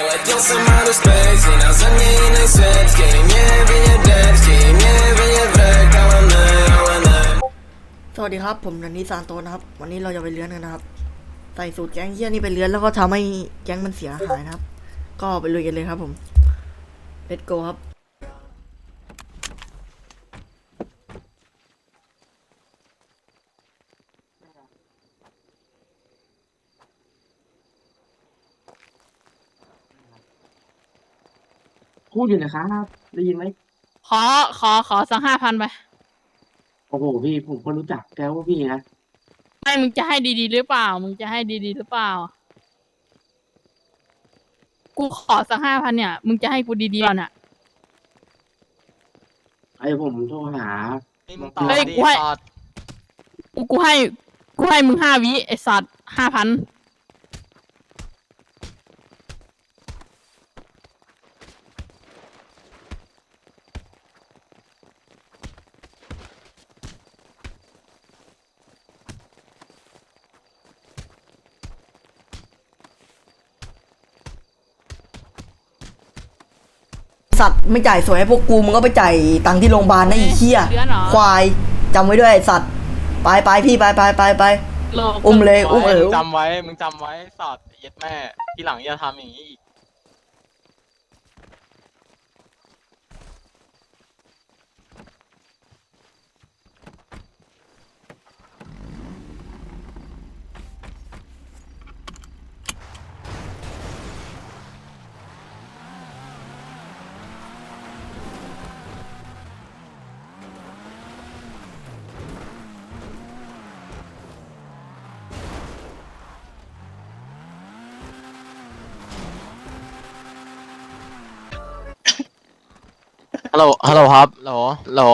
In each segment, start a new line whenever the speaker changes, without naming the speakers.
like you're some outer space I sen yine set Game yeviye depth Game yeviye back
สวัสดีครับผมนันนี่ซานโตนะครับวันนี้เราจะไปเลื้อนกันนะครับใส่สูตรแก๊งเฮี้ยนี่ไปเลื้อนแล้วก็ทำให้แก๊งมันเสียหายนะครับก็ไปลุยกันเลยครับผม let's go ครับ
พูดอยู่นะครับได้ยินไหม
ขอสัก5,000ไป
โอ้โหพี่ผมก็รู้จักแกว่าพี่นะ
ไม่มึงจะให้ดีๆหรือเปล่ามึงจะให้ดีๆหรือเปล่ากูขอสัก5,000เนี่ยมึงจะให้กูดีๆเปล่าเนี่ย
ไอ้ผมโทรหา
เฮ้ยกูให้มึง5 วิไอ้สัตว์5,000
สัตว์ไม่จ่ายสวยให้พวกกูมึงก็ไปจ่ายตังค์ที่โรงพยาบาลนะไอ้เหี้ยควายจำไว้ด้วยไอ้สัตว์ไปพี่ไปอุ้มเลยอุ้ม
มึงจำไว้สัตว์เย็ดแม่ทีหลังอย่าทำอย่างนี้อีกฮัลโหลครับฮัลโหล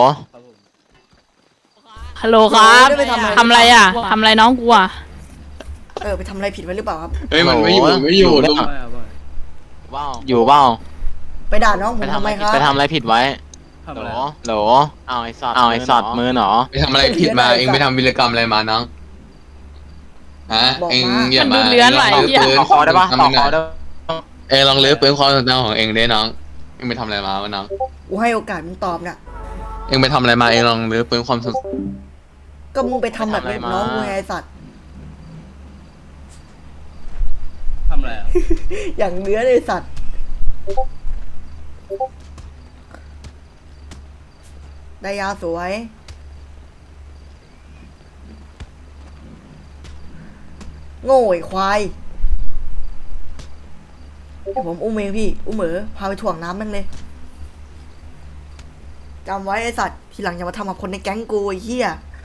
ฮัลโหลครับทำอะไรอ่ะทำอะไรน้องกูอ่ะ
ไปทำอะไรผิดไว้หรือเปล่าครับ
เฮ้ยมันไม่อยู่ลุงว้าวอยู่เปล่า
ไปด่าน้องผมทำไมครับ
ไปทำอะไรผิดไว้โหลเอาไอ้สัตว์มือหนอ
ไปทำอะไรผิดมาเองไปทำวีรกรรมอะไรมาน้องฮะเองอย่ามา
ขอคอได้ปะขอคอได้
เองลองเลือกปืนความสนใจของเองได้น้องเองไปทำอะไรมาวะน้อง
กูให้โอกาสมึงตอบน่ะ
เองไปทำอะไรมาเองลองเลือกปืนความสน
ก็มึงไปทำแบบนี้น้องกูไงไอ้สัตว์
ทำอะไรอ่ะ
อย่างเนื้อเลยสัตว์ได้ยาสวยโง่ไอ้ควายผมอุ้มเองพี่อุ้มพาไปถ่วงน้ำมันเลยจำไว้ไอ้สัตว์ทีหลังอย่ามาทำกับคนในแก๊งกูไอ้เหี้ย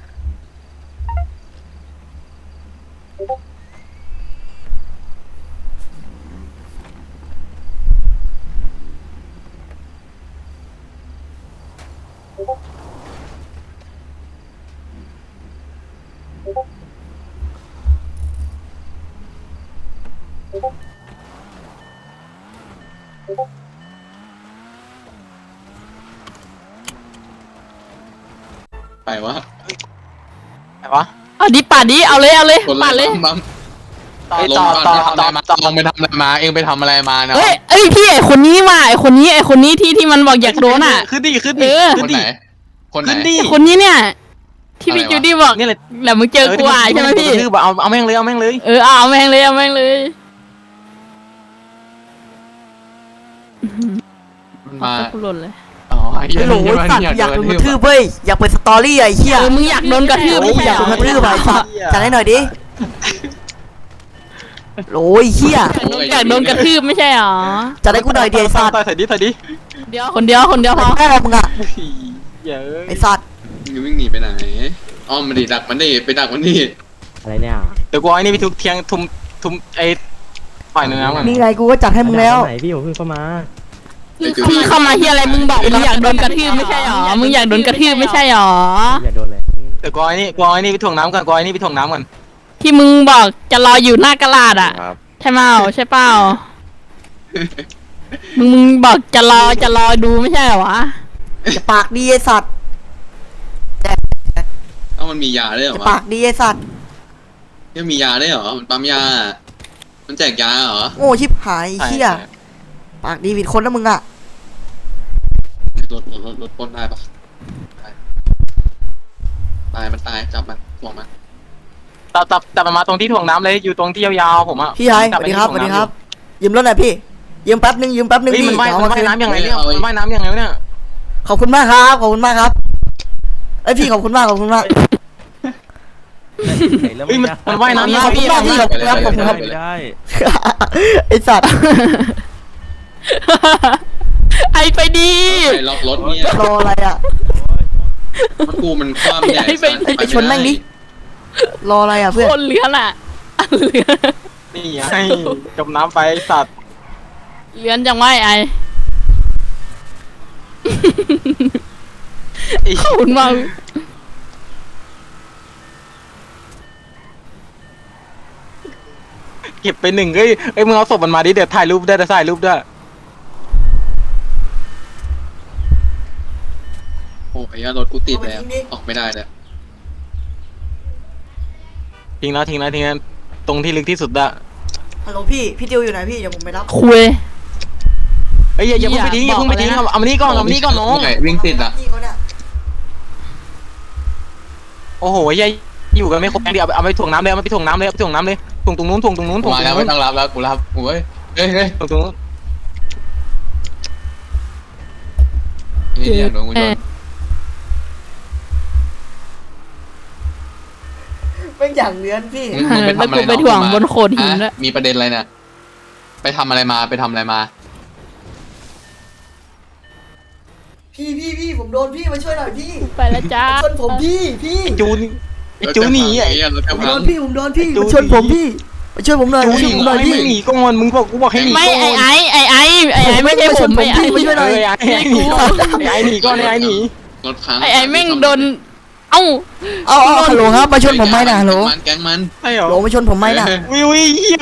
ไปวะ
เอาดิป่าดิเอาเลยป่าเลย
ต่อลงไปทำอะไรมาเองไปทำอะไรมาเนาะ
เอ้ยพี่ไอคนนี้ว่ะไอคนนี้ที่มันบอกอยากโดนอ่ะ
ขึ้นดิ
คนไหน
คนนี้เนี่ยที่พี่จูดี้บอกนี่แหละแล้วมึงเจอกูใช่ไหมพี่
เอาแม่งเลย
เอาแม่งเลย
มา
กูหล่นเลย
หนูสัตว์อยากโดนกระทืบเว้ยอยากเปิดสตอรี่ไอ้เหี้ย
มึงอยากโดนกระทืบ
อยากโดนกระทืบไอ้สัตว์จัดให้หน่อยดิโอ้ยเหี้ย
อยากโดนกระทืบไม่ใช่หรอ
จัดให้กูหน่อยดิไอ้สัตว์
ถอยดิ
คนเดียวพอ
แม่มึงอะไอ้สัตว์
มึงวิ่งหนีไปไหนอ้อมมาดิดักมันดิไปดักมันดิ
อะไรเนี่ย
เดี๋ยวกูไอ้นี่ไปทุบเทียงทุมไอ้ฝ่ายเนื้อมัน
นี่ไงกูก็จัดให้มึงแล้ว
ไหนพี่ผมเพิ่งเข้ามา
พี่เข้ามาเฮียอะไรมึงบอกมึงอยากโดนกระทืบไม่ใช่หรอมึงอยากโดนกระทืบไม่ใช่หรอ
อย่าโดนเลย
เดี๋ยวกูไอ้นี่ไปถ่วงน้ำก่อน
ที่มึงบอกจะรออยู่หน้ากระดาษอ่ะใช่เปล่ามึงบอกจะรอดูไม่ใช่หรอวะ
จะปากดีไอ้สัตว์
มันมียาได้เหรอ
ปากดีไอ้สัตว์
มียาได้เหรอมันปั๊มยามันแจกยาเหรอ
โง่ชิบหายเหี้ยปากดีผิดคนนะมึงอ่ะ
รถปล้นได้ปะตายมันตายจับมันถ่วงมัน
แต่มันมาตรงที่ถ่วงน้ำเลยอยู่ตรงที่ยาวๆผมอ่ะ
พี่ชายสวัสดีครับสวัสดีครับยืมรถหน่อยพี่ยืมแป๊บนึงยืมแป๊บนึง
เฮ้ย
พี่
มันว่าย
เอา
มัน
มา
ว่าย
คืน
น้ำยังไงเนี่ยมันว่ายน้ำยังไงเนี่ย
ขอบคุณมากครับขอบคุณมากครับเอ้ยพี่ขอบคุณมากขอบคุณมาก
เฮ้ยมันว่ายน้ำ
ขอบคุณมากพี่ขอบคุณครับขอบคุณครับ
ไม่ได้
ไอสัตว์
ไอไปดี
ไอ้ล็อกรถเนี่ย
รออะไรอ่ะ
มันกูมันคว่ำใหญ่
ไปชนแม่งดิรออะไรอ่ะเพื่อน
คนเลื้อนอ่ะเลื้อน
นี่ไงจมน้ำไปไอ้สัตว์
เลื้อนจังวะไอขอบคุณมาก
เก็บไปหนึ่งเอ้ยมึงเอาศพมันมาดิเดี๋ยวถ่ายรูปได้ถ่ายรูปด้วย
โอ้ยรถกูติดแล้วออกไม่ได้เลย
ทิ้งแล้วตรงที่ลึกที่สุดอะ
ฮัลโหลพี่ติวอยู่ไหนพี่เดี๋ยวผมไปรับ
คุย
เฮ้ยอย่าเพิ่งไปทิ้งอย่าเพิ่งไปทิ้งเอามานี่ก่อนน้อง
ไงวิ่งติดอ่ะ
พี่เขาเนี่ย
โอ้โหยัยอยู่กันไม่ครบเดี๋ยวเอาไปถ่วงน้ำเลยเอาไปถ่วงน้ำเลยถ่วงน้ำเลยถ่วงตรงนู้นถ่วงตรงนู้นถ่วงต
มา
รง
แล้ว
นู้
ไม่
น
ต้องรับแล้วกูรับโอ้ยเฮ้ย
ถ่วงตรงนู้น
นี่เดี๋ยวโดนกูโดน
เป็นอย่างเลื้อนพี่
มึงไปทำอะไร
ไปถ่วงบนโขดหินด้วย
มีประเด็นอะไรเนี่ยไปทำอะไรมาไปทำอะไรมา
พี่ผมโดนพี่มาช่วยหน่อยพี่
ไปแล้วจ้า
ชนผมพี่
จูหนีไอ้
รถจะ
ผม
พั
โด
ง
นพี่มาชนผมพี่มาช่วยผมหน่อย
จู
มาช่วยผมหน่อยพี่
ไม่หนีก่อนมึงบอกกูบอกให้หนี
ไม่ไอไม่ใช่ผมไม่ไอ
มาช่วยหน่อย
ไอ้หนีก่อนไอ้หนีก่อนไอ้หนี
รถพัง
ไอแม่งโดนเอ้า
เอาฮัลโหลครับมาชนผมไหมนะฮัลโหล
แก๊งมัน
ใช่เหรอ
โหลมาชนผมไหมนะ
วิเฮีย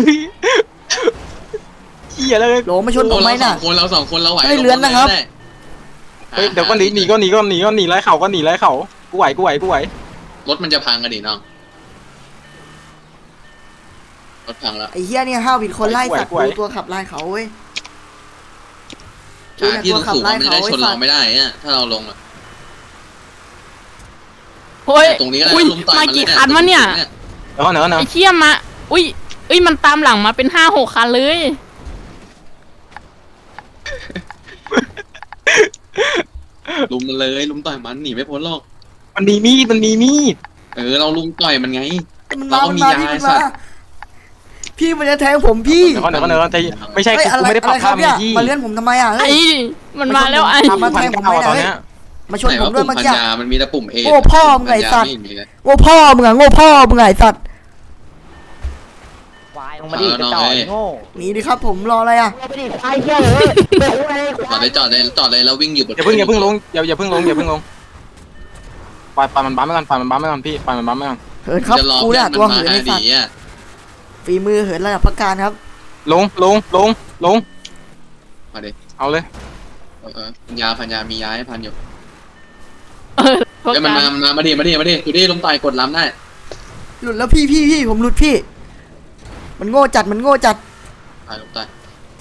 เฮียเลย
โหลมาชนผมไหมนะ
เราสองคนเราไหว
ไม่เลื้อนนะครับ
เฮ้ยเดี๋ยวก็หนีไล่เข่าก็หนีไล่เข่ากูไหว
รถมันจะพังกันดิน้องรถพังแล้ว
ไอ้เหี้ยเนี่ยห้าวผิดคนไล่สัตว์ดูตัวขับไล่เขาเว้ย
ขาที่สูงมันไม่ได้ชนเราไม่ได้เนี่ยถ้าเราลงอะ
เฮ้ย
ตรงนี้ก็
อุ้ย
ลุมต่อย
มา
มัน
กี่คันวะเนี่ย
แล้วก็เนอะ
ไอเชี่ยมาอุ้ยมันตามหลังมาเป็น5-6 คันเลย
ลุมมันเลยลุมต่อยมันหนีไม่พ้นหรอก
มันมีมีด
เราลุมต่อยมันไง
มัน
เรา
มา
ก็
มัน
มี
มา
ยา
พี่มัน
สั
มา
ตว์
พี่มันจะแทงผมพี่
เดี๋ยวก็ไม่ใช่
เฮ้ย
กูไม่ได้ปรับ
ครั
ภาพ
เนี่ย
ที่
มาเลื่อนผมทำไมอ่ะ
ไอ
เฮ้ย
มันมาแล้วไอ
มาแทงผมไม่ได้
ตอน
เฮ้ย
เนี้ย
มาชนผมด้วยเมื่อ
พัน
กี้
ยามันมีแต่ปุ่มเอ
โง่พ่อมึงไงสัตว์
ไม่มีเลย
โง่พ่อมึงอะโง่พ่อมึงไงสัตว์
วายลงมาดิกระจอกโง่
หนีดิครับผมรออะไรอ่ะ
จอดเลยแล้ววิ่งอยู่บน
อย่าเพิ่งลงอย่าเพิ่งลงปล่อยมันบั๊มไปก่อนพี่ปล่อยมันบั๊มไปก่อน
เหินครับ
จะรอ
กู
เพื่
เนี่
อย น
ตัว
มันมา
เหิน
หา
ไอ้สัต
ดี
ว์
อ่ะ
ฝีมือเหินระดับพักการครับ
ลง
มาดิ
เอาเลย
พันยามียาให้พันอยู่
พวก
เดี๋ยวมัน
กัน
มาดิดูดิลมต่อยกดล้ำได้
หลุดแล้วพี่ผมหลุดพี่ มันโง่จัด
ตายลมต่อย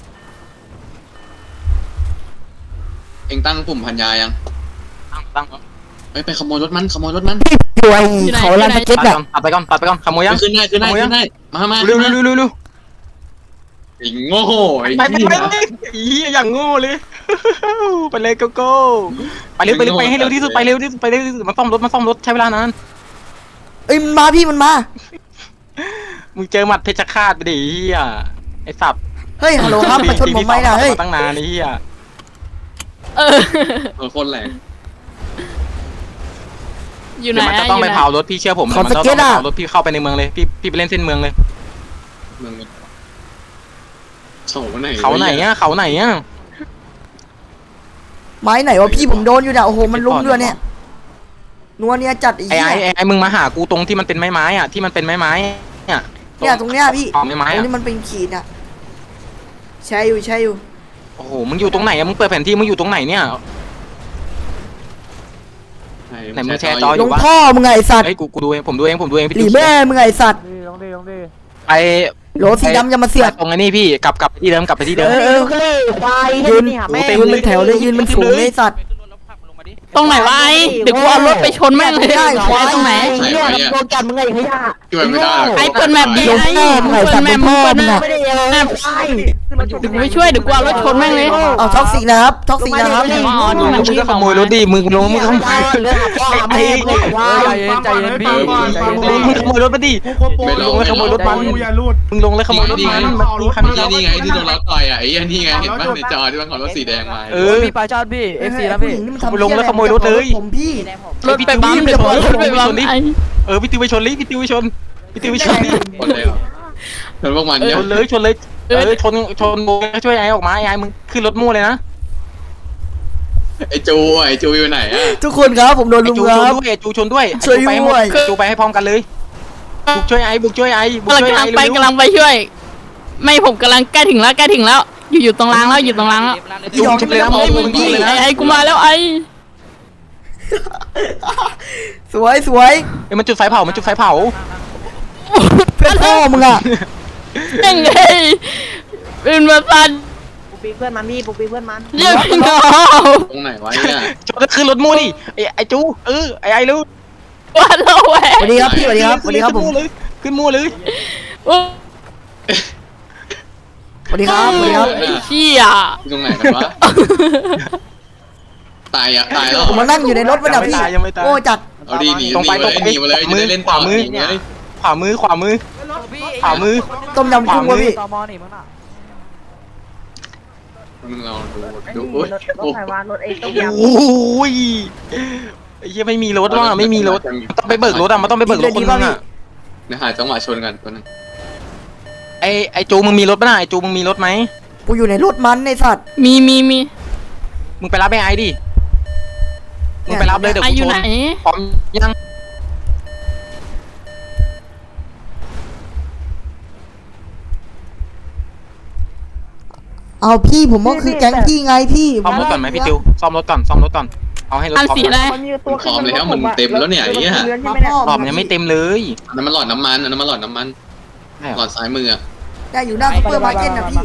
เอ็งตั้งปุ่มพันยายัง
ตั้ง
ไปขโมยรถมัน
ป่วยเขาลันสเก็ต
ตั
อ่ะ
ดไปก่อนขโมยยัง
ขึ้นได้มา
เร็ว
ไอ้โง่ไอ้
ไป
เหี้ย
อย่างโง่เลยไปเลยโก้ไปเร็วไปให้เร็วที่สุดไปเร็วที่สุดมาซ่อมรถใช้เวลานาน
เอ้ยมันมาพี่มันมา
มึงเจอหมัดเพชรฆาตไปดิเฮียไอ้สับ
เฮ้ยฮัลโหลครับมาชนผมไหมนะเฮ้ย
ตั้งนานไอ้เฮีย
คนแหลก
อยู่ไหน
มันจะต้องไปเผารถพี่เชื่อผมมันต้องเผารถพี่เข้าไปในเมืองเลยพี่ไปเล่นเส้นเมืองเลย
มึงเขาไหน
เขาไหนอ่ะ
ไม้ไหนวะพี่ผมโดนอยู่เนี่ยโอ้โหมันลุ้มด้วยเนี่ยนัวเนี่ยจัดไอ้
ไอ้
เหี้ย
ไอ้มึงมาหากูตรงที่มันเป็นไม้อ่ะที่มันเป็นไม้เนี่ย
เนี่ยตรงเนี้ยพี่
อ๋อไม้
ตรง
อ่ะ
นี้มันเป็นขีดอ่ะใช่อยู่
โอ้โหมึงอยู่ตรงไหนอ่ะมึงเปิดแผนที่มึงอยู่ตรงไหนเนี่ย ไหนมึงแชร์จอ
ลงพ่อมึงไงไอ้สัตว์
เฮ้ยกูดูเองผมดูเอง
หลีแม่มึงไงไอ้สัตว์
ไป
โหลสีดำจะมาเสือก
ตรงไอ้นี่พี่กลับไปที่เดิมกลับไปที่เดิม
ยืนเป็นแถวเลยยืนเป็นฝูงเลยสัตว์
ตรงไหนวะไอ้เดี๋ยวกูเอารถไปชนแม่งเลยควายตรงไหน
ใส่ไว้อะ
โดนกันมึงไงขยะ
ช่วยไม่ได้หรอก
ไอ้เปิดแมปดิไอ้เปิดแมปมึงเปิดแมป
ไม่ได้เลย
แมปเดี๋ยวกูไปช่วยเดี๋ยวกูเอารถชนแม่งเลย
เอาท็อกซิกนะครับท็อกซิกนะครับ
มึงก็ขโมยรถดิมึงลงมึงขโมย
เรื่องพ่อแม่ไม่ควาย
ใจเย็นพี่ใจเย็น
มึงขโมยรถมาดิ
ไม่ล
ล
ง
งแล้วขโมยรถมันมึงลงแล้วขโมยรถมันมันคัน
นี่
นี้
ไงที่โดนล็อกต่อยอ่ะไอ้นี่ไงเห็นป่ะในจอที่มันขับรถสีแดงมา
มีปลาชาติพี่ FC นะพี่
ลงแล้วขโมยรถเลย
ผมพี่
รถไปบัมเดี๋ยวรถไปบัมไอ้
พี่ติวไปชนลิพี่ติวไปชนพี่ติวไปชนดิ
คนเลยชนพวกมันเนี่ย
ชนเลยชนเลยชนโมช่วยไอ้ออกมาไอ้มึงขึ้นรถมู่เลยนะ
ไอ้จูอยู่ไหนอ่ะ
ทุกคนครับผมโดน
ไอ้
ลุม
จู
ค
ชน
รับ
ด้วยจูชนด้วย
ช่วยด้วย
จูไปให้พร้อมกันเลยบุกช่วยไอ้บุกช่วยไอ้บุกช่วย
กำลั
ไอ้
งไปกำลังไปช่วย ไม่ผมกำลังใกล้ถึงแล้วใกล้ถึงแล้วอยู่ตรงรางแล้วอยู่ตรงรางแล้ว
จูชนเลยนะมึงเลยนะ
ไอ้กูมาแล้วไอ้
สวยสวย
ไอ้มันจุดไฟเผามันจุดไฟเผา
เพื่อนพ่อมึงอะ
ยังไงเป็นมาสัน
ปูปีเพื่อนมันนี่ปูปีเพื่อนมัน
เรียกพี่น้อง
ตรงไหนวะเนี่ย
ชนขึ้นรถมู่ดิไอ้จูไอ้รู้
ว่าเราแหว
สวัสดีครับพี่สวัสดีครับสวัสดีครับผม
ขึ้นมู่เลย
สวัสดีครับสวัสดีครับ
ไอ้เชี่ย
ตรงไหนกันวะตายแล้ว
ผมมานั่งอยู่ในรถมันอะพี่โอ้จัด
เอาดีหนีมาเลยจะได้เล่นต่อเลย
ขวามือขวามือ
ต้มยำกุ้งวะพี่
ตมนี่มั้งน่ะ
มึงเราดู
รถไฟวานรถเองต้องยำ
โอ้ยไอ้เหี้ยไม่มีรถว่ะไม่มีรถต้องไปเบิกรถอ่ะมันต้องไปเบิกรถคนนึงอ่ะ
เดี๋ยวหาจังหวะชนกันตัวนึง
ไอ้จูมึงมีรถป่ะน่ะไอ้จูมึงมีรถไหม
กูอยู่ในรถมันในสัตว์
มี
มึงไปรับไอ้ดิมึงไปรับเลยเดี๋ยว
ไอ้
กู
อยู่
ช
ไหน
นพร้อมยัง
เอาพี่ผมก็คือแก๊งพี่ไงพี่
ซ่อมรถก่อนไหมพี่ติวซ่อมรถก่อนเอาให้รถ
อัน
พร้อม
สีอะไร
มันมีตัว
พร้อมแล้วมันเต็มแล้วเนี่ยไอ้เนี่ย
มาพ่อ
หลอมยังไม่เต็มเลย
น้ำมันหลอดน้ำมันน้ำมันหลอดน้ำมันหลอดซ้ายมือ
ได้อยู่หน้าซุปเปอร์มาร์เก็ตนะพี่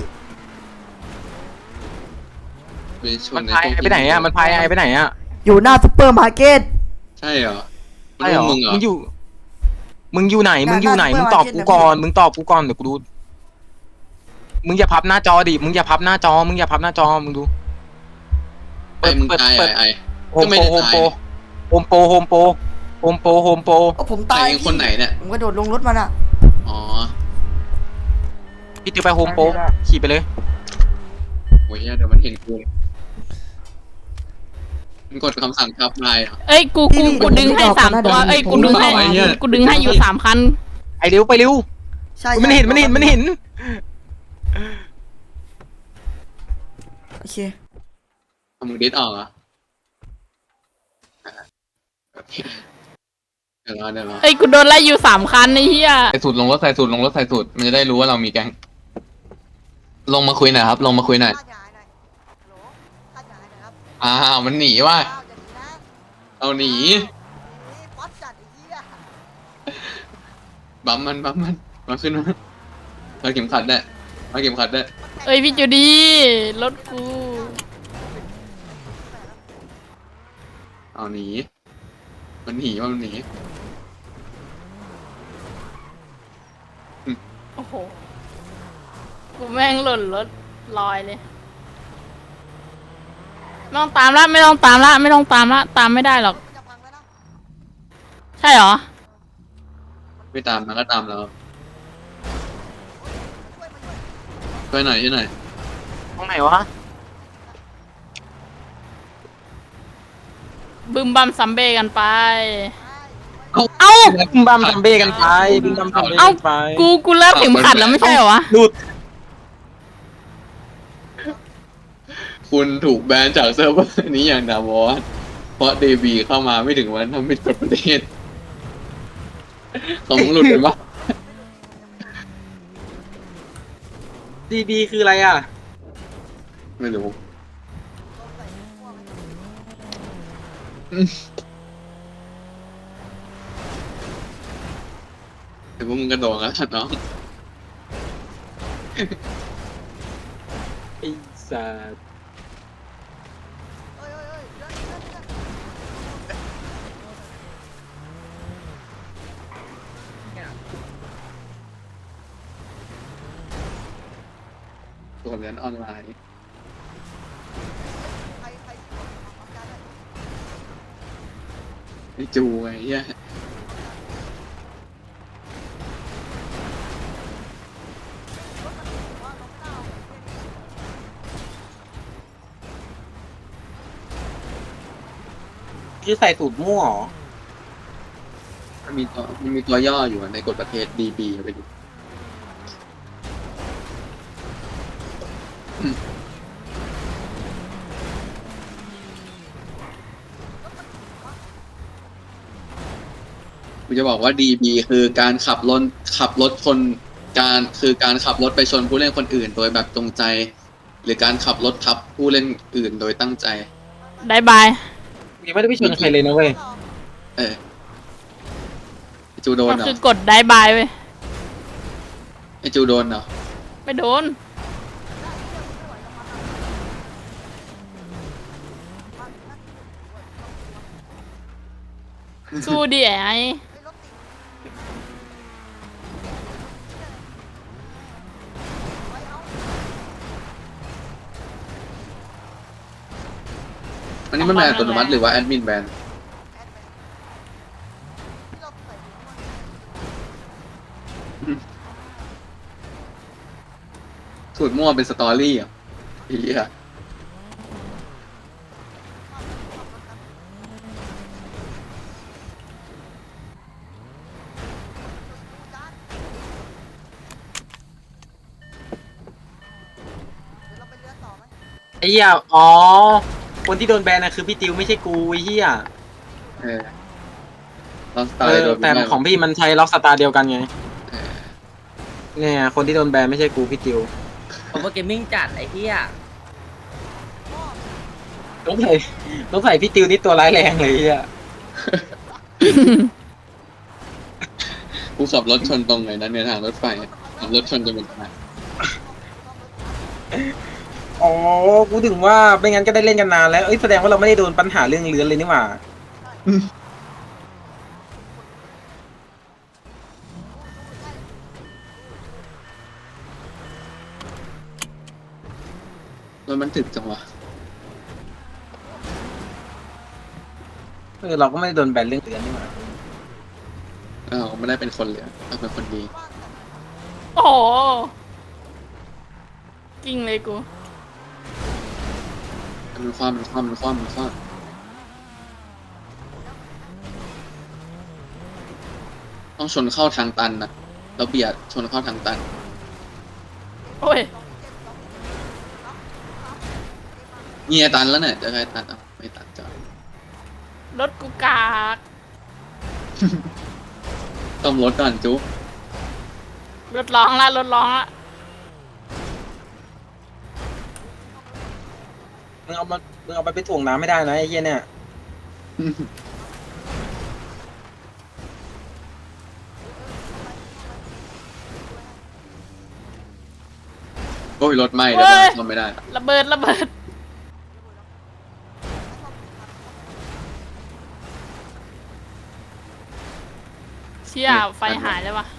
ไปช
มัน นพายไอ้ไปไหนอ่ะมันพายไอ้ไปไหนอ่ะ
อยู่หน้าซุปเปอร์มาร์เก็ต
ใช่เหรอ
ใช่เหรอ
มึงเหรอ
มึงอยู่ไหนมึงตอบกูก่อนเดี๋ยวกูดูมึงอย่าพับหน้าจอดิมึงอย่าพับหน้าจอมึงดู
ไอ้มึงตายไอ้
โฮมโปโฮมโป
ก็ผม
ตา
ตาย ย
คนไหนเนี่ย
ผมกระโดดลงรถมันอะ
อ๋อ
พี่ติวไปโฮมโปขี่ไปเลย
โอ้ยเดี๋ยวมันเห็นกูมันกดคำสั่งทับลายอ่ะ
เอ้ยกูดึงให้3ตัวเอ้ยกูดึงให้อยู่3คัน
ไอ้เร็วไปเร็ว
ใช่
มันเห็น
โอเค
มึงดิสออกอ่ะเดี๋ยวรอ
เอ้ยกูโดนไล่อยู่3คันไอ้เหี้ย
ใส่สูตรลงรถใส่สูตรมันจะได้รู้ว่าเรามีแก๊งลงมาคุยหน่อยครับลงมาคุยหน่อยมันหนีว่ะเอาหนีบัมมันมาขึ้นมาเข็มขัดได้
เอ้ยพี่จูดี้รถกู
เอาหนีมันหนี
โอ้โหกูแม่งหล่นรถลอยเลยไม่ต้องตามละตามไม่ได้หรอกใช่เหรอ
ไม่ตามมันก็ตามเราช่วยหน่อย
ตรงไหนวะ
บึมบัมซัมเบ้กันไป
เอ้าบึมบัมซัมเบ้กันไป
กูเลิกเข็มขัดแล้วไม่ใช่เหรอวะ
หลุด
คุณถูกแบนจากเซิร์ฟเวอร์นี้อย่างถาวรเพราะเดบีเข้ามาไม่ถึงวันทำผิดกฎประเทศของมึงหลุดไปปะ
DB คืออะไรอ่ะ
ไม่รู้แต่พวกมึงกระโดดแล้วน้อง
ไอ้สัส
ตัวเรียนออนไลน์ไอ้จูไอ้เหี้ย
คือใส่สูตรมั่วเหรอ
มันมีตัวย่ออยู่ในกฎประเทศ DB ไปดูกูจะบอกว่า DB คือการขับรถคนการขับรถไปชนผู้เล่นคนอื่น โดยแบบจงใจ หรือการขับรถทับผู้เล่นอื่นโดยตั้งใจ
ได้บาย
ยังไม่ได้ไปชนใครเลยนะเว้ย
เออไอจูโดน
มัน
เหรอ
คือกดได้บายเว้ย
ไอจูโดนเหรอ
ไม่โดน สู้ดิไอ้
อันนี้มันแบนอัตโนมัติหรือว่าแอดมินแบนสูตรมั่วเป็นสตอรี่อ่ะอีอ่ะ
ไอ้เหี้ยอ๋อ คนที่โดนแบนนะคือพี่ติวไม่ใช่กูไอ้เหี้ย
เออลองสไตล์โดน
แต่ของพี่มันใช้ล็อกสตาร์เดียวกันไง เนี่ยคนที่โดนแบนไม่ใช่กูพี่ติว
ผมว่าเกมมิ่งจัดไอ้เหี้ย
ต้องใส่พี่ติวนี่ตัวร้ายแรงเลยไอ้เหี้ย
กูขับรถชนตรงไหนนั้นในทางรถไฟขับรถชนจนเป็นตาย
อ๋อ กูถึงว่าไม่งั้นก็ได้เล่นกันนานแล้ว เอ้ยแสดงว่าเราไม่ได้โดนปัญหาเรื่องเรือนเลยนี่หว่า
รถมันถึกจังวะ
เราก็ไม่ได้โดนแบนเรื่องเรือนนี่หว่า
อ้าวไม่ได้เป็นคนเหลือเราเป็นคนดี
โอ้โหกิ้งเลยกู
มันคว่ำต้องชนเข้าทางตันนะแล้วเบียดชนเข้าทางตัน
โอ้ย
เงียตันแล้วเนี่ยจะใครตัดอ่ะไม่ตัดจ้ะ
รถกูกาก
ต้องรถก่อนจุ๊บ
รถร้องละรถร้องละ
มึงเอาไปไปถ่วงน้ำไม่ได้นะไอ้เหี้ยเนี่ย
โอ้ยรถไหม้เดี๋ยวบ้านซ่อมไม่ได้
ระเบิดเชี่ยไฟหายแล้ววะ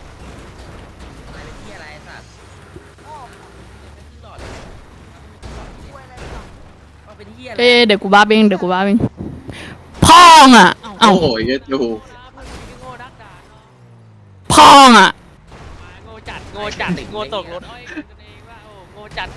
เดี๋ยวกูบ้าเองพ่องอ่ะ เอ้า
โอ้โหเยอะดู
พ่องอ่ะ
โง่จัดโง่ตกรถโง่จัด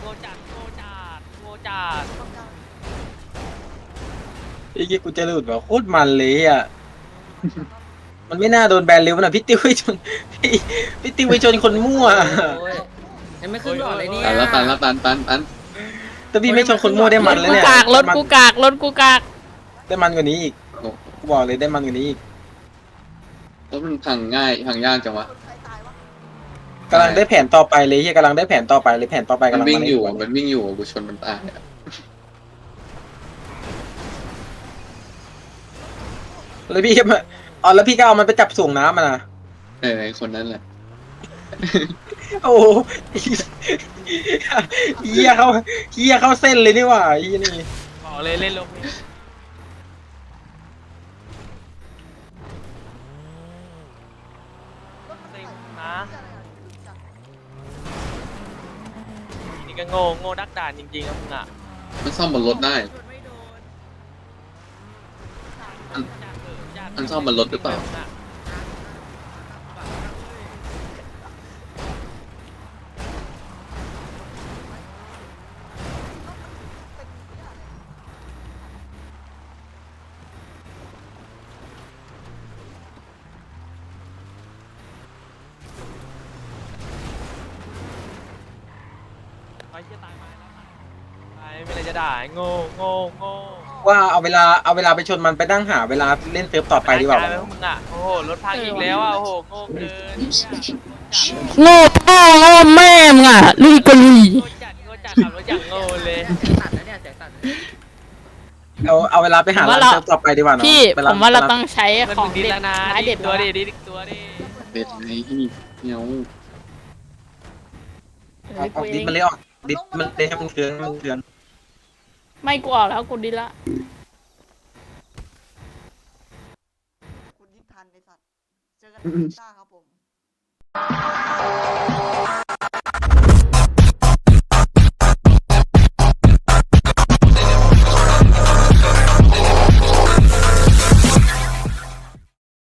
ไอ้เหี้ยกูจะหลุดแบบโคตรมันเลยอ่ะ มันไม่น่าโดนแบนเร็วนะพี่ติวไปชนพี่ติวไปชนคนมั่ว
ยังไม่ขึ้นหลอดเลยเนี่ย
ตัน
แต่พี่ไม่ชนคนมั่วได้มันเลยเนี่ย
รถกูกาก
ได้มันกว่านี้อีกกูบอกเลยได้มันกว่านี้อีก
รถมันพังง่ายพังยากจังวะ
กำลังได้แผนต่อไปเลยเฮียกำลังได้แผนต่อไปเลยแผนต่อไป
มัน
กำลัง
วิ่ง
มา
อยู่
ในหัว
มันวิ่งอยู่กูชนมันตายอะ
แล้วพี่ก็มาอ๋อแล้วพี่ก็เอามันไปจับส่วงน้ำมานะ
ไอ้คนนั้นแหละ
โอ้โหเฮียเข้าเส้นเลยนี่หว่าเฮียนี่
บอกเลยเล่นลงซิงนะนี่ก็โง่ดักดานจริงๆนะมึงอ่ะ
มันซ่อมบนรถได้ มันซ่อมบนรถหรือเปล่า
ไอ้เหี้ยตายมาแล้วตายไม่เป็นไรจะด่าโง่
ว่าเอาเวลาไปชนมันไปนั่งหาเวลาเล่นเซิร์ฟต่อไปดีกว่า
แล้วมึงอ่ะโอ้โหรถพังอีกแล้วอ่ะโอ้โหโง่เกิน
โง่พ่อโง่แม่มึงอ่ะลุยกะลุย
โง่จัดขับรถอย่างโง่เลย
เอาเวลาไปหาร้านเซิร์ฟต่อไปดีกว่าเนาะ
พี่ผมว่าเราต้องใช้
มัน
ขอ
มึ
ง
งดี
เด็ด
แล้วนะ
ไม้เด็ด
ตัว
แล้ว
ดิ
นะ
ดิตัวดิ
เป็ดไงเนียว
ออกดิสมันเลยออกดิสมันเลยให้มันเคือง
ไม่กูออกแล้วกูดีละ
คุณยิงทันไอสัตว์เจอกันที่ซ่าครับผม